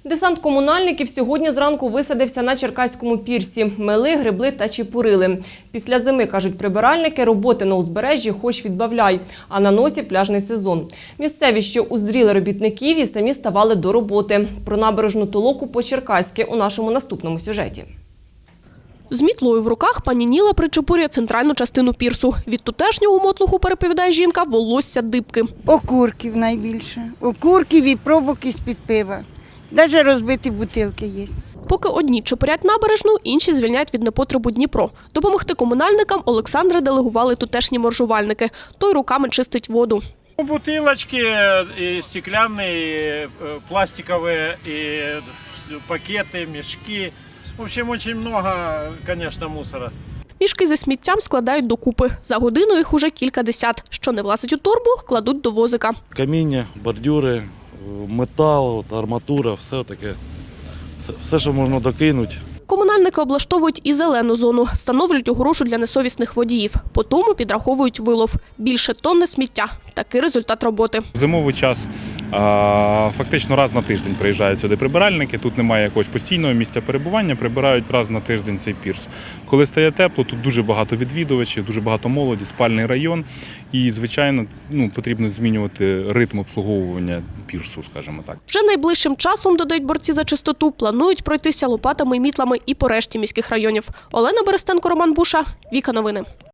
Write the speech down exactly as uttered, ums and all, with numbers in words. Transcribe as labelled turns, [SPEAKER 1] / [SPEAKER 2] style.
[SPEAKER 1] Десант комунальників сьогодні зранку висадився на Черкаському пірсі. Мели, гребли та чепурили. Після зими, кажуть прибиральники, роботи на узбережжі хоч відбавляй, а на носі пляжний сезон. Місцеві, що уздріли робітників, і самі ставали до роботи. Про набережну толоку по-черкаськи у нашому наступному сюжеті.
[SPEAKER 2] З мітлою в руках пані Ніла причепурює центральну частину пірсу. Від тутешнього мотлуху, переповідає жінка, волосся дибки.
[SPEAKER 3] Окурків найбільше. Окурків і пробок із-під пива. Навіть розбиті бутилки є.
[SPEAKER 2] Поки одні чепурять набережну, інші звільняють від непотребу Дніпро. Допомогти комунальникам Олександра делегували тутешні моржувальники. Той руками чистить воду.
[SPEAKER 4] Бутылочки, и стеклянные, и пластиковые, и пакеты, мешки. В общем, очень много, конечно, мусора.
[SPEAKER 2] Мішки зі сміттям складають докупи. За годину їх уже кілька десят. Що не влазить у торбу, кладуть до возика.
[SPEAKER 5] Каміння, бордюри, метал, арматура, все таке. Все, все, що можна докинути.
[SPEAKER 2] Комунальники облаштовують і зелену зону, встановлюють огорошу для несовісних водіїв. По тому підраховують вилов. Більше тонни сміття. Такий результат роботи.
[SPEAKER 6] Зимовий час фактично раз на тиждень приїжджають сюди прибиральники. Тут немає якогось постійного місця перебування, прибирають раз на тиждень цей пірс. Коли стає тепло, тут дуже багато відвідувачів, дуже багато молоді, спальний район. І, звичайно, ну, потрібно змінювати ритм обслуговування пірсу, скажімо так.
[SPEAKER 2] Вже найближчим часом, додають борці за чистоту, планують пройтися лопатами і мітлами і по решті міських районів. Олена Берестенко, Роман Буша, Віка Новини.